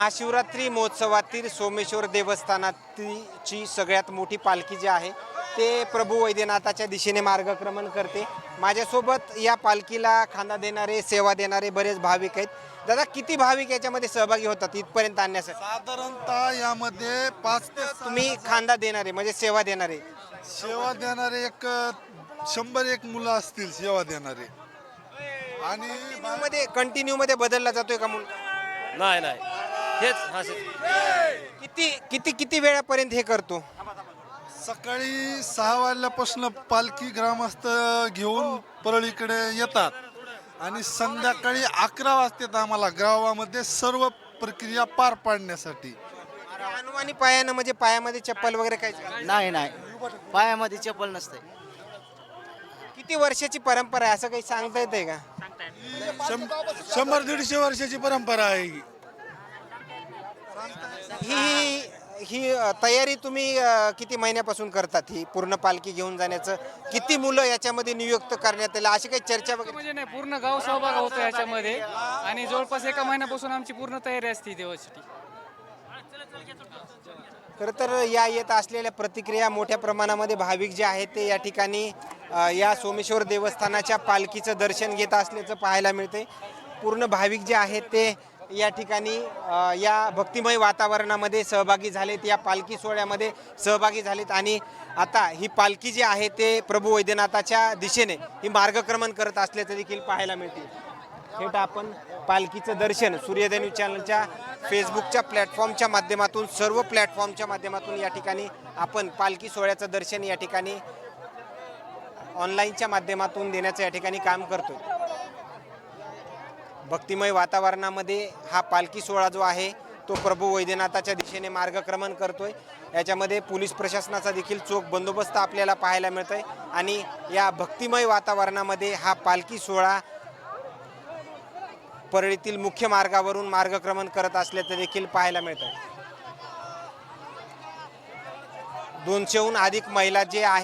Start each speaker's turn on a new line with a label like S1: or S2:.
S1: महाशिवरात्री महोत्सवातील सोमेश्वर देवस्थानाची सगळ्यात मोठी पालखी जी आहे ते प्रभू वैद्यनाथाच्या दिशेने मार्गक्रमण करते। माझ्यासोबत या पालखीला खांदा देणारे सेवा देणारे बरेच भाविक आहेत। दादा, किती भाविक याच्यामध्ये सहभागी होतात इथपर्यंत आणण्यासाठी?
S2: साधारणतः यामध्ये 5 ते 6
S1: तुम्ही खांदा देणारे म्हणजे सेवा देणारे
S2: सेवा देणारे 100 मुलं असतील सेवा देणारे। आणि
S1: कंटिन्यू मध्ये बदलला जातोय का मुलं?
S3: नाही नाही हेच हा
S1: किती किती किती वेळापर्यंत हे करतो?
S2: सकाळी 6 वाजल्यापासून पालखी ग्रामस्थ घेऊन परळीकडे येतात आणि संध्याकाळी 11 वाजतात आम्हाला गावामध्ये सर्व प्रक्रिया पार पाडण्यासाठी।
S1: अनुमानी पायानं म्हणजे पायामध्ये चप्पल वगैरे काय?
S4: नाही नाही पायामध्ये चप्पल नसते.
S1: किती वर्षाची परंपरा आहे असं काही सांगता येते का?
S2: 100-150 वर्षाची परंपरा आहे ही।
S1: ही ही तयारी तुम्ही किती महिन्यापासून करतात? ही पूर्ण पालखी घेऊन जाण्याचं किती मुलं याच्यामध्ये नियुक्त करण्यात आले अशी काही चर्चा वगैरे?
S5: म्हणजे नाही, पूर्ण गाव सहभाग होतो याच्यामध्ये आणि जवळपास 1 महिन्यापासून आमची पूर्ण तयारी असते देवासाठी.
S1: खरं तर या येत असलेल्या प्रतिक्रिया मोठ्या प्रमाणामध्ये भाविक जे आहेत ते या ठिकाणी या सोमेश्वर देवस्थानाच्या पालखीचं दर्शन घेत असल्याचं पाहायला मिळते। पूर्ण भाविक जे आहेत ते या ठिकाणी या भक्तिमय वातावरणामध्ये सहभागी झालेत, या पालखी सोहळ्यामध्ये सहभागी झालेत आणि आता ही पालखी जी आहे ते प्रभू वैद्यनाथाच्या दिशेने ही मार्गक्रमण करत असल्याचं देखील पाहायला मिळते। थेट आपण पालखीचं दर्शन सूर्योदय न्यूज चॅनलच्या फेसबुकच्या प्लॅटफॉर्मच्या माध्यमातून सर्व प्लॅटफॉर्मच्या माध्यमातून या ठिकाणी आपण पालखी सोहळ्याचं दर्शन या ठिकाणी ऑनलाईनच्या माध्यमातून देण्याचं या ठिकाणी काम करतो। भक्तिमय वातावरणामध्ये हा पालखी सोहळा जो आहे तो प्रभू वैद्यनाथाच्या दिशेने मार्गक्रमण करतोय। याच्यामध्ये पोलीस प्रशासनाचा देखील चोख बंदोबस्त आपल्याला पाहायला मिळतोय आणि या भक्तिमय वातावरणामध्ये हा पालखी सोहळा परळीतील मुख्य मार्गावरून मार्गक्रमण करत असल्याचं देखील पाहायला मिळतंय। 200हून अधिक महिला जे आहेत